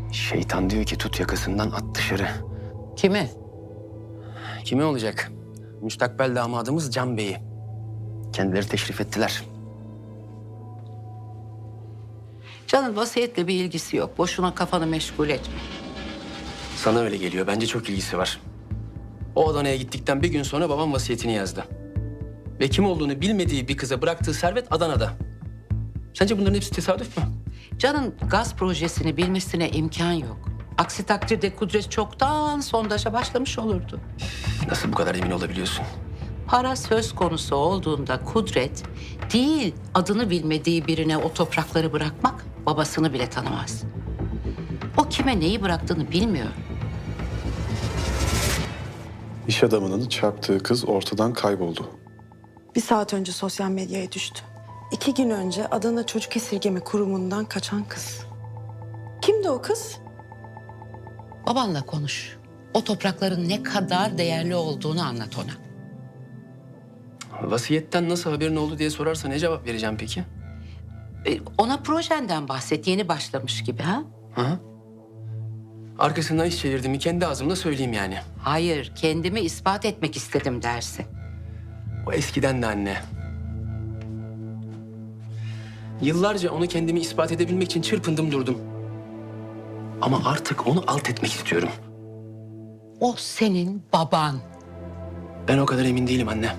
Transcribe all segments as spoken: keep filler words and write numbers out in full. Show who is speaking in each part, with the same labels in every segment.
Speaker 1: Şeytan diyor ki tut yakasından at dışarı.
Speaker 2: Kimi?
Speaker 1: Kimi olacak? Müstakbel damadımız Can Bey'i. Kendileri teşrif ettiler.
Speaker 2: Can'ın vasiyetle bir ilgisi yok. Boşuna kafanı meşgul etme.
Speaker 1: Sana öyle geliyor. Bence çok ilgisi var. O Adana'ya gittikten bir gün sonra babam vasiyetini yazdı. Ve kim olduğunu bilmediği bir kıza bıraktığı servet Adana'da. Sence bunların hepsi tesadüf mü?
Speaker 2: Can'ın gaz projesini bilmesine imkan yok. Aksi takdirde Kudret çoktan sondaja başlamış olurdu.
Speaker 1: Nasıl bu kadar emin olabiliyorsun?
Speaker 2: Para söz konusu olduğunda Kudret değil adını bilmediği birine o toprakları bırakmak babasını bile tanımaz. O kime neyi bıraktığını bilmiyor.
Speaker 3: İş adamının çarptığı kız ortadan kayboldu.
Speaker 4: Bir saat önce sosyal medyaya düştü. İki gün önce Adana Çocuk Esirgeme Kurumu'ndan kaçan kız. Kimdi o kız?
Speaker 2: Babanla konuş. O toprakların ne kadar değerli olduğunu anlat ona.
Speaker 1: Vasiyetten nasıl haberin oldu diye sorarsa ne cevap vereceğim peki?
Speaker 2: E, Ona projenden bahset, yeni başlamış gibi ha?
Speaker 1: Hı hı. Arkasından iş çevirdiğimi kendi ağzımla söyleyeyim yani.
Speaker 2: Hayır, kendimi ispat etmek istedim dersin.
Speaker 1: O eskiden de anne. Yıllarca onu kendimi ispat edebilmek için çırpındım durdum. Ama artık onu alt etmek istiyorum.
Speaker 2: O senin baban.
Speaker 1: Ben o kadar emin değilim anne.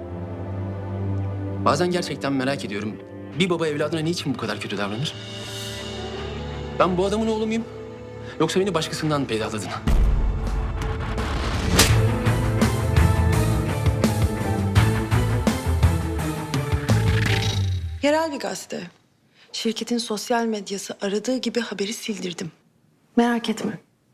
Speaker 1: Bazen gerçekten merak ediyorum. Bir baba evladına niçin bu kadar kötü davranır? Ben bu adamın oğlu muyum? Yoksa beni başkasından mı peydahladın?
Speaker 4: Yerel bir gazete. Şirketin sosyal medyası aradığı gibi haberi sildirdim. Merak etme.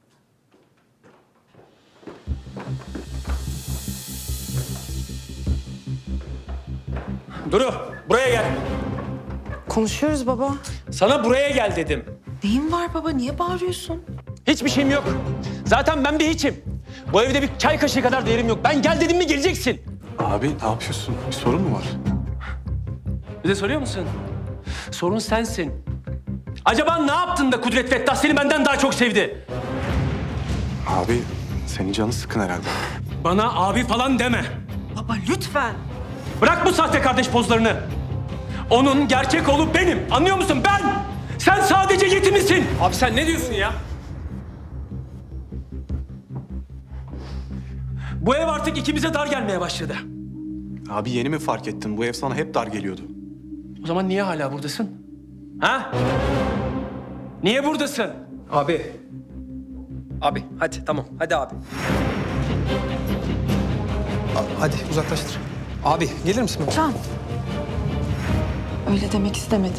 Speaker 5: Duru, buraya gel.
Speaker 4: Konuşuyoruz baba.
Speaker 5: Sana buraya gel dedim.
Speaker 4: Neyin var baba? Niye bağırıyorsun?
Speaker 5: Hiçbir şeyim yok. Zaten ben bir hiçim. Bu evde bir çay kaşığı kadar değerim yok. Ben gel dedim mi geleceksin.
Speaker 3: Abi ne yapıyorsun? Bir sorun mu var?
Speaker 5: Bir de soruyor musun? Sorun sensin. Acaba ne yaptın da Kudret Fettah seni benden daha çok sevdi?
Speaker 3: Abi senin canı sıkın herhalde.
Speaker 5: Bana abi falan deme.
Speaker 4: Baba lütfen.
Speaker 5: Bırak bu sahte kardeş pozlarını. Onun gerçek oğlu benim. Anlıyor musun? Ben! Sen sadece yetimisin. Abi sen ne diyorsun ya? Bu ev artık ikimize dar gelmeye başladı.
Speaker 3: Abi yeni mi fark ettin? Bu ev sana hep dar geliyordu.
Speaker 1: O zaman niye hala buradasın?
Speaker 5: Ha? Niye buradasın?
Speaker 6: Abi. Abi hadi tamam hadi abi. A- hadi uzaklaştır. Abi gelir misin?
Speaker 4: Can. Öyle demek istemedi.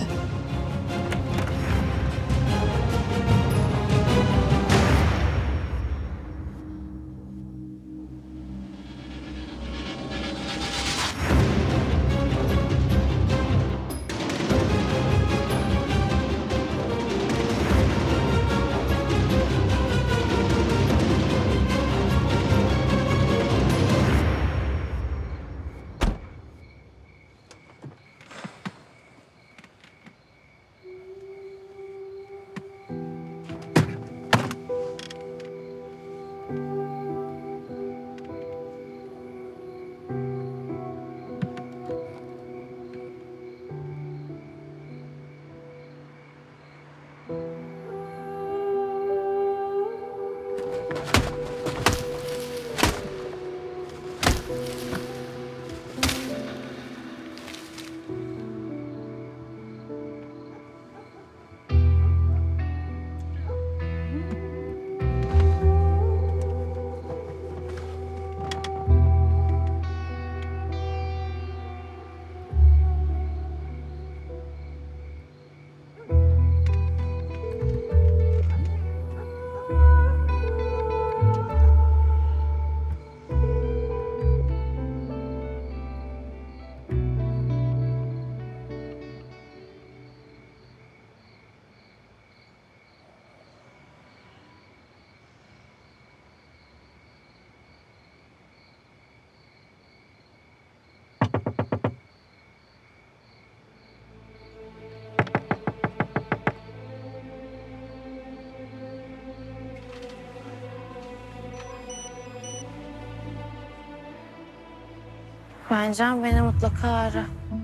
Speaker 7: Lütfen Can beni mutlaka ara.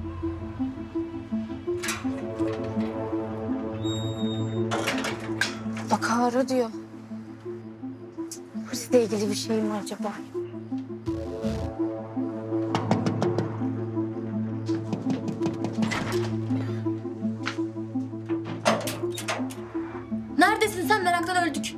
Speaker 7: Mutlaka ara diyor. Polisle ilgili bir şey mi acaba?
Speaker 8: Neredesin sen? Meraktan öldük.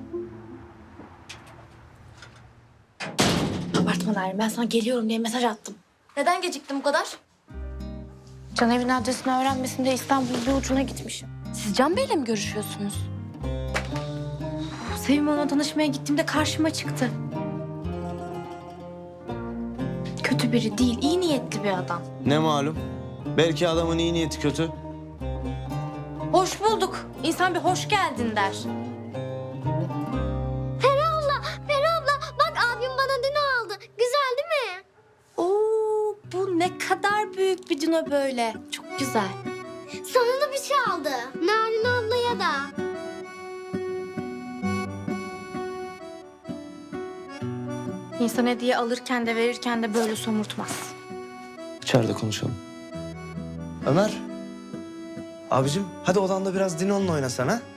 Speaker 7: Abartma Narin, ben sana geliyorum diye mesaj attım.
Speaker 8: Neden geciktin bu kadar?
Speaker 7: Can evin adresini öğrenmesin diye İstanbul'un bir ucuna gitmişim.
Speaker 8: Siz Can Bey'le mi görüşüyorsunuz?
Speaker 7: Sevim ona danışmaya gittiğimde karşıma çıktı. Kötü biri değil, iyi niyetli bir adam.
Speaker 9: Ne malum? Belki adamın iyi niyeti kötü.
Speaker 7: Hoş bulduk. İnsan bir hoş geldin der.
Speaker 8: Peri abla, Peri abla. Bak abim bana dino aldı. Güzel değil mi?
Speaker 7: Oo, bu ne kadar büyük bir dino böyle. Çok güzel.
Speaker 8: Sana da bir şey aldı. Narin ablaya da.
Speaker 7: İnsan hediye alırken de verirken de böyle somurtmaz.
Speaker 9: İçeride konuşalım. Ömer. Abicim hadi odanda biraz Dino'nla oynasan ha.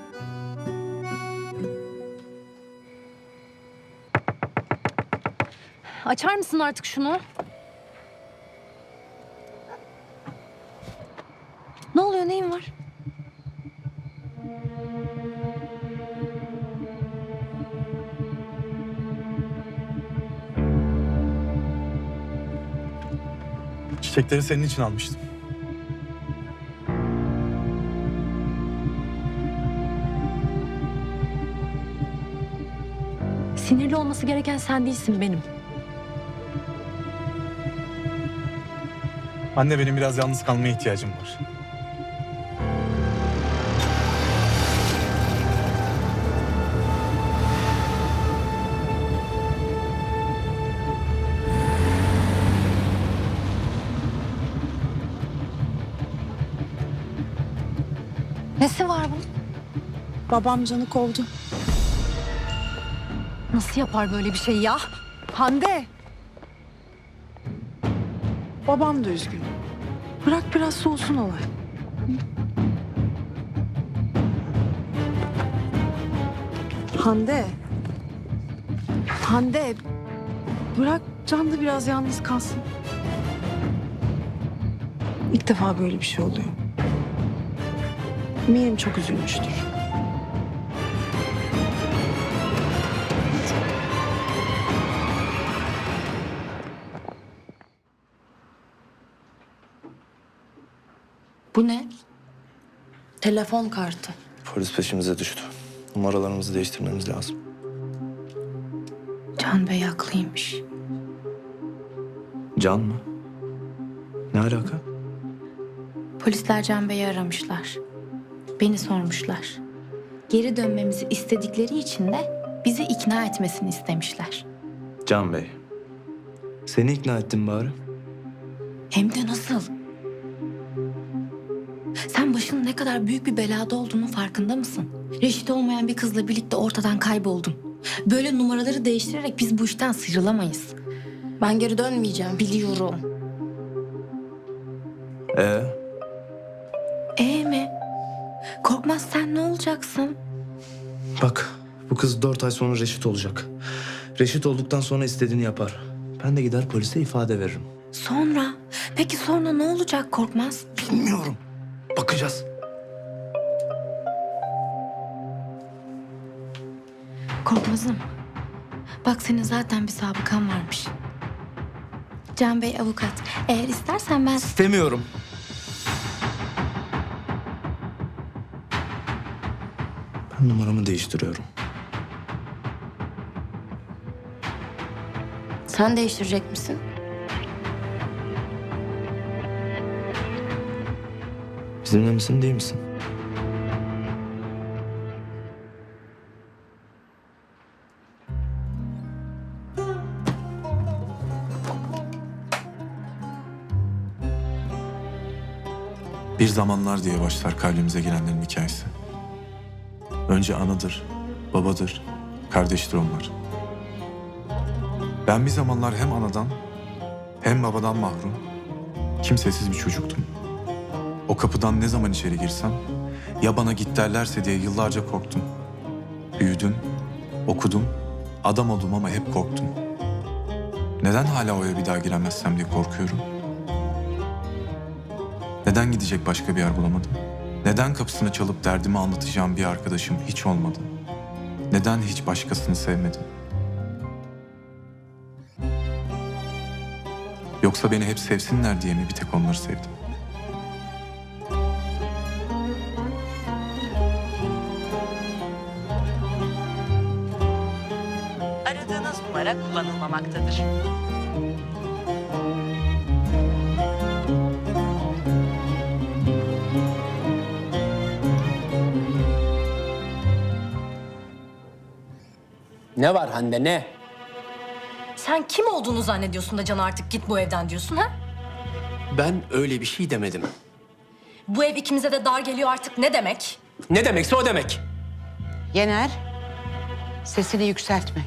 Speaker 8: Açar mısın artık şunu? Ne oluyor? Neyin var?
Speaker 3: Çiçekleri senin için almıştım.
Speaker 8: Sinirli olması gereken sen değilsin, benim.
Speaker 3: Anne, benim biraz yalnız kalmaya ihtiyacım var.
Speaker 8: Nesi var bunun?
Speaker 4: Babam Can'ı kovdu.
Speaker 8: Nasıl yapar böyle bir şey ya? Hande!
Speaker 4: Babam da üzgün. Bırak biraz soğusun olay. Hande. Hande. Bırak Can da biraz yalnız kalsın. İlk defa böyle bir şey oluyor. Eminim çok üzülmüştür.
Speaker 7: Bu ne? Telefon kartı.
Speaker 9: Polis peşimize düştü. Numaralarımızı değiştirmemiz lazım.
Speaker 7: Can Bey haklıymış.
Speaker 9: Can mı? Ne alaka?
Speaker 7: Polisler Can Bey'i aramışlar. Beni sormuşlar. Geri dönmemizi istedikleri için de bizi ikna etmesini istemişler.
Speaker 9: Can Bey. Seni ikna ettim bari.
Speaker 7: Hem de nasıl? Sen başının ne kadar büyük bir belada olduğunun farkında mısın? Reşit olmayan bir kızla birlikte ortadan kayboldun. Böyle numaraları değiştirerek biz bu işten sıyrılamayız. Ben geri dönmeyeceğim. Biliyorum.
Speaker 9: Ee?
Speaker 7: Ee mi? Korkmaz sen ne olacaksın?
Speaker 9: Bak bu kız dört ay sonra reşit olacak. Reşit olduktan sonra istediğini yapar. Ben de gider polise ifade veririm.
Speaker 7: Sonra? Peki sonra ne olacak Korkmaz?
Speaker 9: Bilmiyorum. Bakacağız.
Speaker 7: Korkmaz'ım. Bak senin zaten bir sabıkan varmış. Can Bey avukat. Eğer istersen ben...
Speaker 9: İstemiyorum. Ben numaramı değiştiriyorum.
Speaker 8: Sen değiştirecek misin?
Speaker 9: Bizimle misin değil misin?
Speaker 10: Bir zamanlar diye başlar kalbimize girenlerin hikayesi. Önce anadır, babadır, kardeştir onlar. Ben bir zamanlar hem anadan Hem babadan mahrum, kimsesiz bir çocuktum. O kapıdan ne zaman içeri girsem, ya bana git derlerse diye yıllarca korktum. Büyüdüm, okudum, adam oldum ama hep korktum. Neden hala o eve bir daha giremezsem diye korkuyorum? Neden gidecek başka bir yer bulamadım? Neden kapısını çalıp derdimi anlatacağım bir arkadaşım hiç olmadı? Neden hiç başkasını sevmedim? Yoksa beni hep sevsinler diye mi bir tek onları sevdim?
Speaker 2: Aradığınız numara kullanılmamaktadır.
Speaker 1: Ne var Hande ne?
Speaker 11: Sen kim olduğunu zannediyorsun da Can artık git bu evden diyorsun ha?
Speaker 1: Ben öyle bir şey demedim.
Speaker 11: Bu ev ikimize de dar geliyor artık ne demek?
Speaker 1: Ne demekse o demek.
Speaker 2: Yener, sesini yükseltme.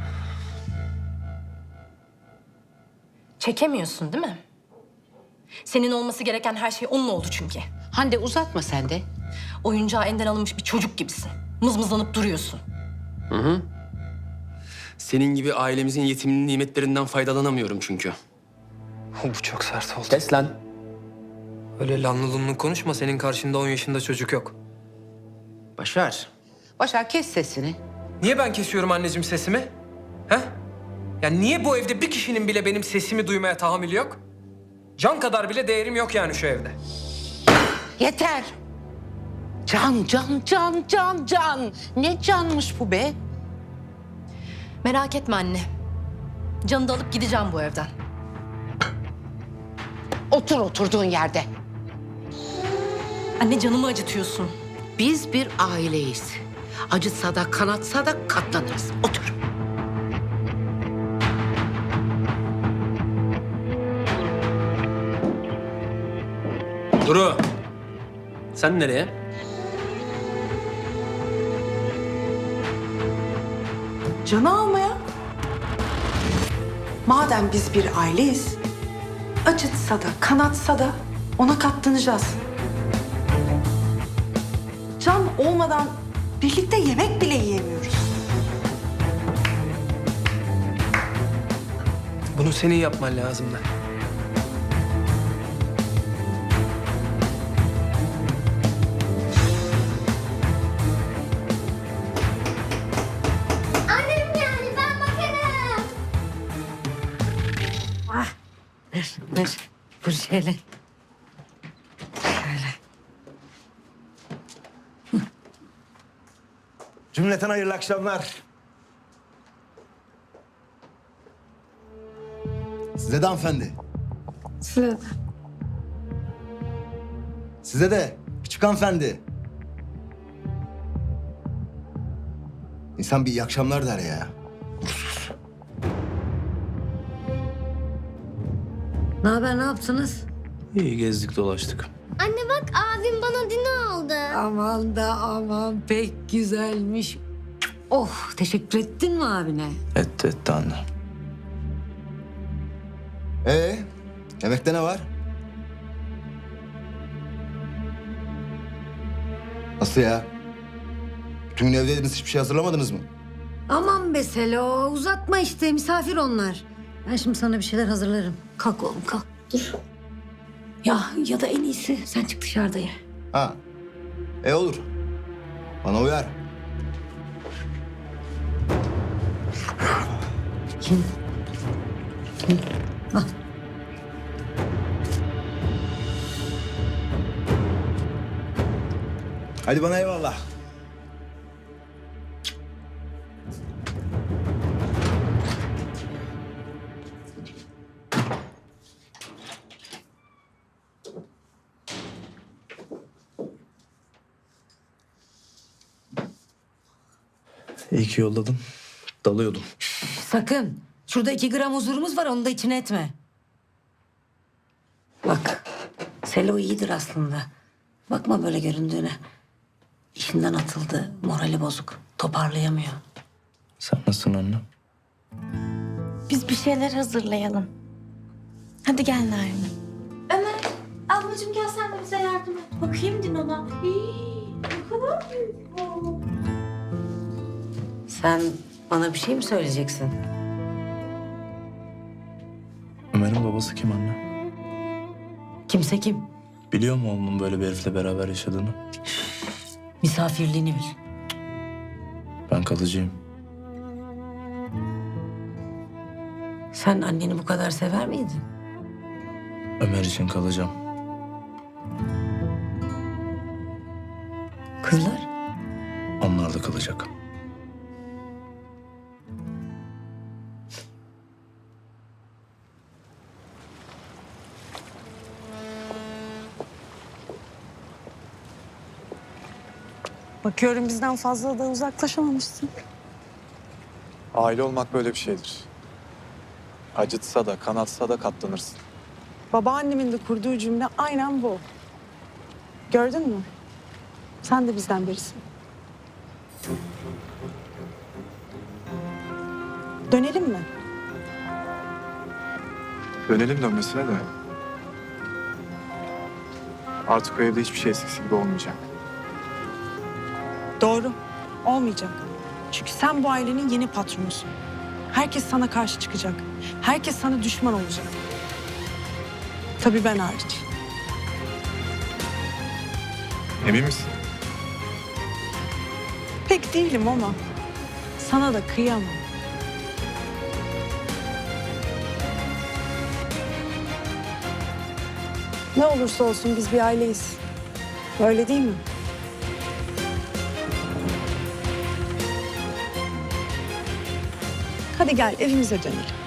Speaker 11: Çekemiyorsun değil mi? Senin olması gereken her şey onun oldu çünkü.
Speaker 2: Hande uzatma sen de.
Speaker 11: Oyuncağı elinden alınmış bir çocuk gibisin. Mızmızlanıp duruyorsun.
Speaker 1: Senin gibi ailemizin yetiminin nimetlerinden faydalanamıyorum çünkü.
Speaker 6: Bu çok sert oldu.
Speaker 1: Kes lan.
Speaker 6: Öyle lanlı lunlu konuşma. Senin karşında on yaşında çocuk yok.
Speaker 1: Başar.
Speaker 2: Başar kes sesini.
Speaker 6: Niye ben kesiyorum anneciğim sesimi? He? Ya niye bu evde bir kişinin bile benim sesimi duymaya tahammülü yok? Can kadar bile değerim yok yani şu evde.
Speaker 2: Yeter. Can, can, can, can, can. Ne canmış bu be?
Speaker 11: Merak etme anne. Can'ı da alıp gideceğim bu evden.
Speaker 2: Otur oturduğun yerde.
Speaker 11: Anne canımı acıtıyorsun.
Speaker 2: Biz bir aileyiz. Acıtsa da kanatsa da katlanırız. Otur.
Speaker 1: Duru. Sen nereye?
Speaker 4: Can'ı almaya. Madem biz bir aileyiz, acıtsa da kanatsa da ona katlanacağız. Can olmadan birlikte yemek bile yiyemiyoruz.
Speaker 6: Bunu senin yapman lazımdı.
Speaker 8: Annem geldi ben bakarım.
Speaker 2: Dur, dur şöyle. Şöyle.
Speaker 12: Cümleten hayırlı akşamlar. Size de hanımefendi.
Speaker 4: Size de.
Speaker 12: Size de küçük hanımefendi. İnsan bir iyi akşamlar der ya.
Speaker 7: Ne haber, ne yaptınız?
Speaker 9: İyi gezdik dolaştık.
Speaker 8: Anne bak abim bana dino aldı.
Speaker 7: Aman da aman pek güzelmiş. Oh, teşekkür ettin mi abine?
Speaker 9: Etti etti anne.
Speaker 12: Ee, yemekte ne var? Nasıl ya? Bütün gün evdeydiniz, hiçbir şey hazırlamadınız mı?
Speaker 7: Aman be Selo, uzatma işte, misafir onlar. Ben şimdi sana bir şeyler hazırlarım. Kalk oğlum, kalk. Dur. Ya ya da en iyisi sen çık dışarıda ye.
Speaker 12: Ha. E olur. Bana uyar.
Speaker 7: Kim? Kim? Al.
Speaker 12: Hadi bana eyvallah.
Speaker 9: İyi ki yolladın. Dalıyordum.
Speaker 7: Sakın. Şurada iki gram huzurumuz var, onu da içine etme. Bak, Selo iyidir aslında. Bakma böyle göründüğüne. İşinden atıldı, morali bozuk. Toparlayamıyor.
Speaker 9: Sen nasılsın anne?
Speaker 8: Biz bir şeyler hazırlayalım.
Speaker 7: Hadi gel Narin.
Speaker 8: Ömer, ablacığım gel sen de bize yardım et. Bakayım Dino'na. Hii, ne kadar büyük bu.
Speaker 2: Sen bana bir şey mi söyleyeceksin?
Speaker 9: Ömer'in babası kim anne?
Speaker 2: Kimse kim?
Speaker 9: Biliyor mu oğlunun böyle bir herifle beraber yaşadığını?
Speaker 2: Misafirliğini bil.
Speaker 9: Ben kalıcıyım.
Speaker 2: Sen anneni bu kadar sever miydin?
Speaker 9: Ömer için kalacağım.
Speaker 2: Kızlar?
Speaker 9: Onlar da kalacak.
Speaker 4: Bakıyorum bizden fazla da uzaklaşamamışsın.
Speaker 3: Aile olmak böyle bir şeydir. Acıtsa da kanatsa da katlanırsın.
Speaker 4: Babaannemin de kurduğu cümle aynen bu. Gördün mü? Sen de bizden birisin. Dönelim mi?
Speaker 3: Dönelim dönmesine de. Artık o evde hiçbir şey eskisi gibi olmayacak.
Speaker 4: Doğru. Olmayacak. Çünkü sen bu ailenin yeni patronusun. Herkes sana karşı çıkacak. Herkes sana düşman olacak. Tabii ben hariç.
Speaker 3: Emin misin?
Speaker 4: Pek değilim ama sana da kıyamam. Ne olursa olsun biz bir aileyiz. Öyle değil mi? Hadi gel evimize dönelim.